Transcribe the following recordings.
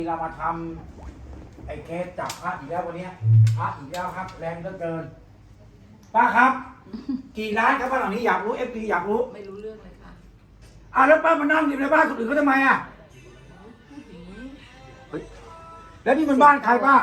เรามาทำไอ้เคสจับพระอีกแล้ววันนี้พระอีกแล้วครับแรงเหลือเกินป้าครับกี่ล้านครับบ้านหลังนี้อยากรู้FDอยากรู้ไม่รู้เรื่องเลยค่ะแล้วป้ามานั่งอยู่ในบ้านคนอื่นเขาทำไมเฮ้ยแล้วนี่มันบ้านใครป้า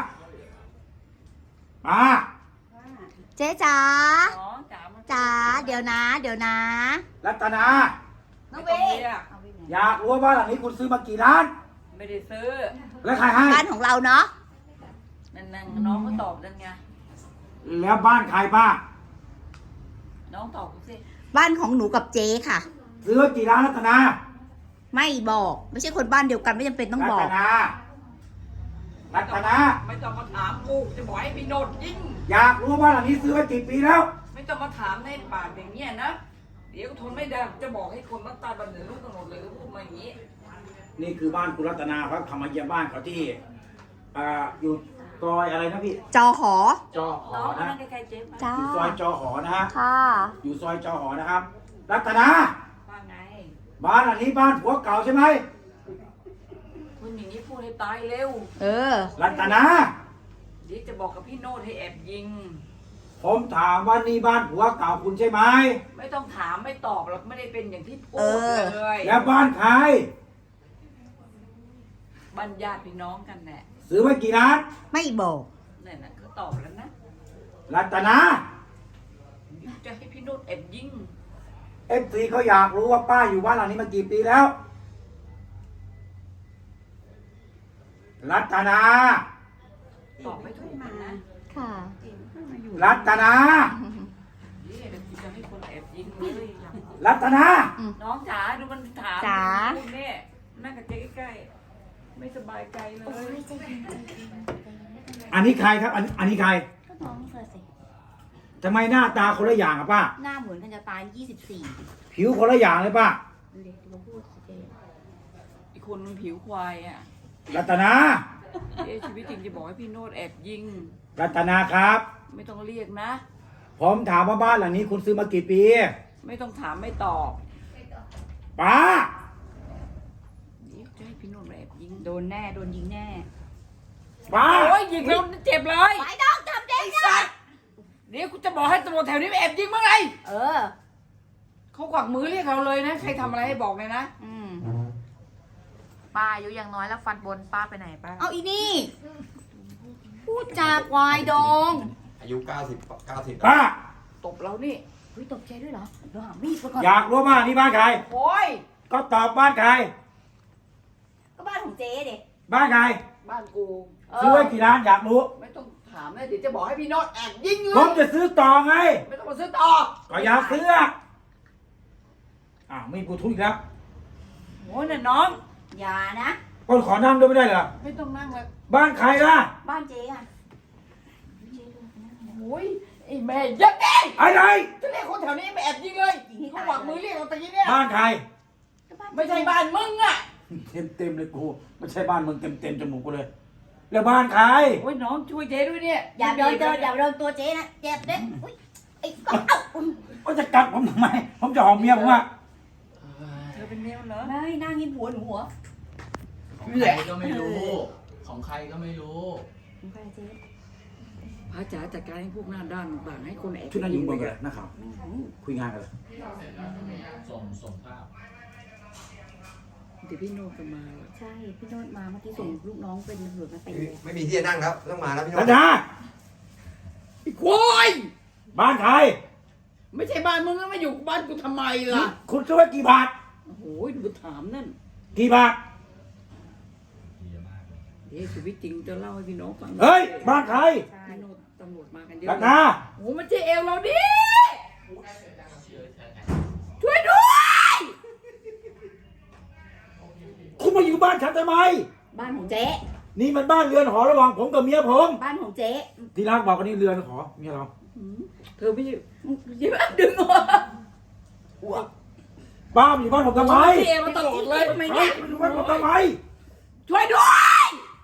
เจ๊จ๋าอ๋อจ๋าเดี๋ยวนะรัตนาน้องเวอยากรู้ว่าบ้านหลังนี้คุณซื้อมากี่ล้านไม่ได้ซื้อแล้วใครให้บ้านของเราเนาะนั่นน้องก็ตอบนั่นไงแล้วบ้านใครป้าน้องตอบกูสิบ้านของหนูกับเจ๊ค่ะซื้อมากี่ล้านรัตนาไม่บอกไม่ใช่คนบ้านเดียวกันไม่จำเป็นต้องบอกรัตนาไม่ต้องมาถามกูจะบอกให้พี่โนดยิงอยากรู้ว่าบ้านหลังนี้ซื้อมากี่ปีแล้วไม่ต้องมาถามในปากอย่างเงี้ยนะเดี๋ยวทนไม่ได้จะบอกให้คนมาตายบันเทิงลูกกำหนดเลยก็พูดมาอย่างนี้นี่คือบ้านคุณรัตนาเขาทำมาเยี่ยมบ้านเขาที่อยู่ซอยอะไรนะพี่จอหอน้องนั่งใกล้ๆเจ๊จ้าอยู่ซอยจอหอนะฮะค่ะอยู่ซอยจอหอนะครับรัตนาว่าไงบ้านหลังนี้บ้านผัวเก่าใช่ไหมคุณอย่างนี้พูดให้ตายเร็วรัตนาเดี๋ยวจะบอกกับพี่โนดให้แอบยิงผมถามว่านี่บ้านผัวเก่าคุณใช่ไหมไม่ต้องถามไม่ตอบหรอกไม่ได้เป็นอย่างที่พูดเลยแล้วบ้านใครบ้านญาติพี่น้องกันแหละซื้อมากี่ล้านไม่บอกนั่นน่ะเขาตอบแล้วนะรัตนาจะให้พี่โนดแอบยิง FCเขาอยากรู้ว่าป้าอยู่บ้านหลังนี้มากี่ปีแล้วรัตนาตอบไม่ถูกนะค่ะรัตนาจะให้คนแอบยิงเลยรัตนาน้องจ๋าดูมันถามจ๋าคุณเนี่ยนั่งกับเจ๊ใกล้ๆไม่สบายใจเลยอันนี้ใครครับอันนี้ใครก็น้องเธอสิทำไมหน้าตาคนละอย่างอะป้าหน้าเหมือนกันจะตาย24 ผิวคนละอย่างเลยป้าเด็กมาพูดสิเจ๊อีกคนมันผิวควายอ่ะรัตนาชีวิตจริงจะบอกให้พี่โนดแอบยิงรัตนาครับไม่ต้องเรียกนะผมถามว่าบ้านหลังนี้คุณซื้อมากี่ปีไม่ต้องถามไม่ตอบป้าจะให้พี่โนดแอบยิงโดนยิงแน่ป้าโอ้ยยิงแล้วเจ็บเลยไปดองจับเด็กนะเดี๋ยวกูจะบอกให้ตำรวจแถวนี้แอบยิงเมื่อไงเขาขวักมือเรียกเราเลยนะใครทำอะไรให้บอกเลยนะป้าอายุยังน้อยแล้วฟันบนป้าไปไหนป้าเอาอีนี่พูดจากวายดองอายุ90 ป้าตบเรานี่เฮ้ยตบใจด้วยเหรอเดี๋ยวหามีดไปก่อนอยากรู้บ้านนี่บ้านใครโอ้ยก็ตอบบ้านใครก็บ้านของเจ๊เด็กบ้านใครบ้านกูซื้อไว้กี่ล้านอยากรู้ไม่ต้องถามเลยเดี๋ยวจะบอกให้พี่โนดแอบยิงเลยผมจะซื้อต่อไงไม่ต้องมาซื้อต่อก็อยากซื้อไม่กูทุกข์แล้วโอ้ยน่ะน้องอย่านะคนขอนั่งด้วยไม่ได้เหรอไม่ต้องนั่งเลยบ้านใครล่ะบ้านเจ๊อ่ะโอ้ยไอ้แม่ยักษ์ไงอะไรจะเรียกคนแถวนี้ไปแอบยิงเลยเขาหวังมือเรียกเราตะกี้เนี่ยบ้านใครไม่ใช่บ้านมึงอ่ะเต็มเลยกูไม่ใช่บ้านมึงเต็มจมูกกูเลยแล้วบ้านใครโอ้ยน้องช่วยเจ๊ด้วยเนี่ยอย่าโดนตัวเจ๊นะเจ็บเด็กอุ้ยไอ้ก็จะกัดผมทำไมผมจะหอมเมียผมอ่ะเธอเป็นเมียเหรอไม่นั่งกินหัวหนูหัวของใครก็ไม่รู้ของใครก็ไม่รู้ของใครเจ๊พระจ๋าจัดการให้พวกหน้าด้านต่างให้คนแอบชุดนั้นยิงบอลกันนะครับคุยงานกันเลยส่งภาพเดี๋ยวพี่โนดจะมาใช่พี่โนดมาเมื่อกี้ส่งลูกน้องเป็นตำรวจมาเป็นไม่มีที่จะนั่งแล้วต้องมาแล้วพี่โนดนะไอ้ควายบ้านใครไม่ใช่บ้านมึงแล้วมาอยู่บ้านกูทำไมล่ะคุณซื้อไว้กี่บาทโอ้โหดูถามนั่นกี่บาทเดี๋ยวชีวิตจริงจะเล่าให้พี่น้องฟังเฮ้ยบ้านใครพี่โนดตำรวจมากันเยอะนะโอ้มันจะเอวเราดิช่วยด้วยคุณมาอยู่บ้านฉันทำไมบ้านของเจ๊นี่มันบ้านเรือนหอระหว่างผมกับเมียผมบ้านของเจ๊ที่รักบอกว่านี่เรือนหอเมียเราเธอไม่ใช่ดึงหัวป้าอยู่บ้านผมทำไมเอวมาตลอดเลยทำไมเนี่ยอยู่บ้านผมทำไมช่วยด้วย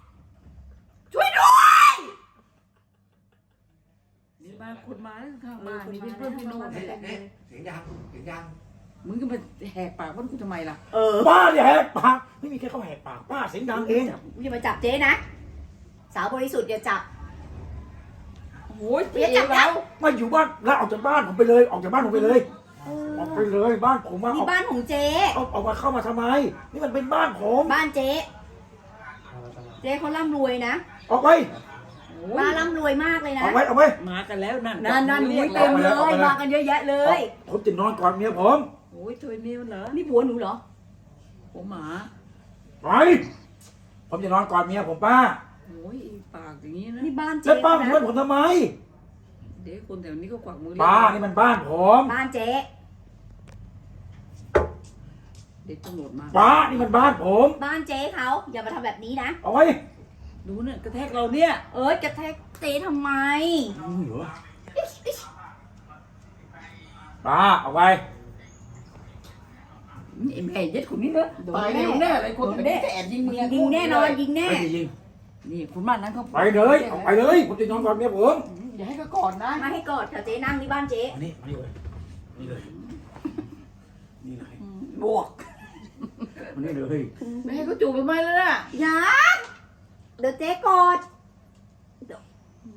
นี่บ้านคนมาข้างบ้านนี่เป็นเพื่อนพี่โน้ตเสียงดังมึงก็มาแหกปากว่ากูทำไมล่ะบ้าเนี่ยแหกปากไม่มีใครเข้าแหกปากป้าเสียงดังเองอย่ามาจับเจ๊นะ สาวบริสุทธิ์อย่าจับโอ้ยเจ๊จับแล้วไม่อยู่บ้านแล้วออกจากบ้านผมไปเลยออกจากบ้านผมไปเลยออกไปเลยบ้านผมมานี่บ้านของเจ๊เอามาเข้ามาทำไมนี่มันเป็นบ้านผมบ้านเจ๊ เจ๊เขาร่ำรวยนะออกไปบ้านร่ำรวยมากเลยนะออกไปออกไปมากันแล้วนั่นนั่นหนูเต็มเลย มากันเยอะแยะเลยผมจะนอนกอดเมียผมโอ้ยตัวนี้มันเหรอนี่ผัวหนูเหรอผมหมาไปผมจะนอนกอดเมียผมป้าโอ้ยอีปากอย่างนี้นะนี่บ้านเจ๊แล้วป้ามานะช่วยผมทำไมเด็กคนแถวนี้ก็กวักมือป้านี่มันบ้านผมบ้านเจ๊เด็กตำรวจมาป้านี่มันบ้านผมบ้านเจ๊เขาอย่ามาทำแบบนี้นะเอาไว้ดูเนี่ยกระแทกเราเนี่ยเอ้ยกระแทกเจ๊ทำไมเหรอป้าเอาไว้ไอ้แม่ยัดคนนี้นะตายเร็วแน่เลยคนแน่แอบยิงมึงยิงแน่นอนยิงแน่ไม่ได้ยิงนี่คุณบ้านนั้นเขาไปเลยเอาไปเลยผมจะนอนกอดเมียผมอย่าให้เขากอดนะมาให้กอดค่ะเจ๊นั่งที่บ้านเจ๊มานี่มานี่เลยนี่เลยนี่เลยบวกมานี่เลยไม่ให้เขาจูบไปไหมแล้วน่ะอย่าเดี๋ยวเจ๊กอดเดี๋ยว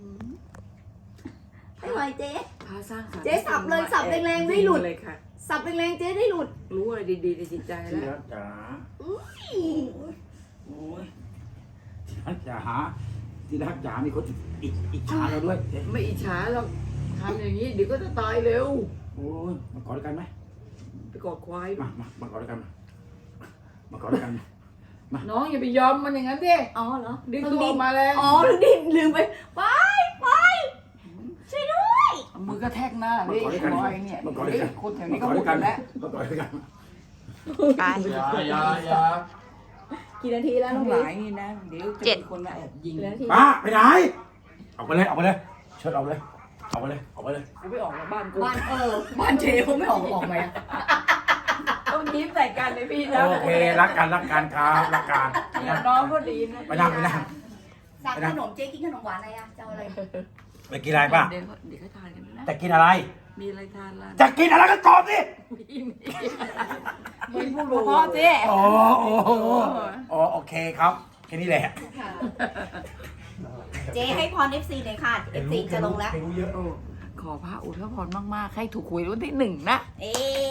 ไม่ไหวเจ๊พาสร้างสรรค์เจ๊สับเลยสับแรงๆไม่หลุดเลยค่ะสับแรงๆเจ๊ได้หลุดรู้อะไรดีๆในจิตใจที่แล้วรักจ๋าอุ๊ยโอ้ยที่รักจ๋าที่รักจ๋ามีคนอิจฉาเราด้วยไม่อิจฉาหรอกทำอย่างนี้เดี๋ยวก็จะตายเร็วโอ้ยมากอดด้วยกันไหมไปกอดควายมากอดด้วยกันมากอดด้วยกันน้องอย่าไปยอมมันอย่างนั้นดิอ๋อเหรอดึงตัวออกมาแล้วอ๋อลืมไปไปช่วยด้วยเอามือกระแทกหน้ามาดิกอดด้วยกันควายเนี่ยมากอดด้วยกันคนแถวมานี้กก็อดหมด้วดยกันแล้วมากอดด้วยกันไปอย่ากี่นาทีแล้วน้ทั้องงหพีลายนี่นะเดี๋ยวจะมีคนมาแอบยิงกี่นาทีป้าไปไหนออกไปเลยออกไปเลยเชิดออกไปเลยออกไปเลยออกไปเลยกูไม่ออกจากบ้านกูบ้านบ้านเจ๊เขาไม่ออกไหมอะต้องยิ้มใส่กันเลยพี่นะโอเครักกันครับรักกันเนี่ยน้องก็ดีนะไปนั่งสั่งขนมเจ๊กินขนมหวานอะไรอะจะเอาอะไรไปกินอะไรป้าเดี๋ยวเขาทานกันนะจะกินอะไรมีอะไรทานล่ะจะกินอะไรก็ตอบสิไม่พูดเพราะเจ๊อ๋อโอเคครับแค่นี้แหละเจ๊ให้พร FC หน่อยค่ะ FC จะลงแล้วรู้เยอะโอ้ขอพระอุทพรมากๆให้ถูกหวยวันที่1นะเอ๊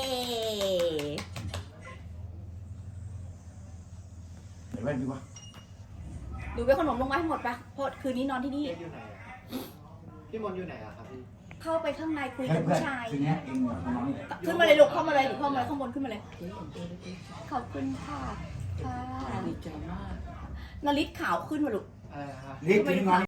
เดี๋ยวแว่นดีกว่าดูไปขนมลงมาให้หมดปะเพราะคืนนี้นอนที่นี่อยู่ไหนอะพี่มนต์อยู่ไหนอะครับพี่เข้าไปข้างในคุยเฮ้กัยบเพื่อนผู้ชายคืนนี้เองกับน้องนี่แหละขึ้นมาเลยลูกเข้ามาเลยหนูเข้ามาเลยข้างบนขึ้นมาเลย ขอบคุณค่ะค่ะดีใจมากนาริศขาวขึ้นมาลูกอะไรนะครับรีบกินนอน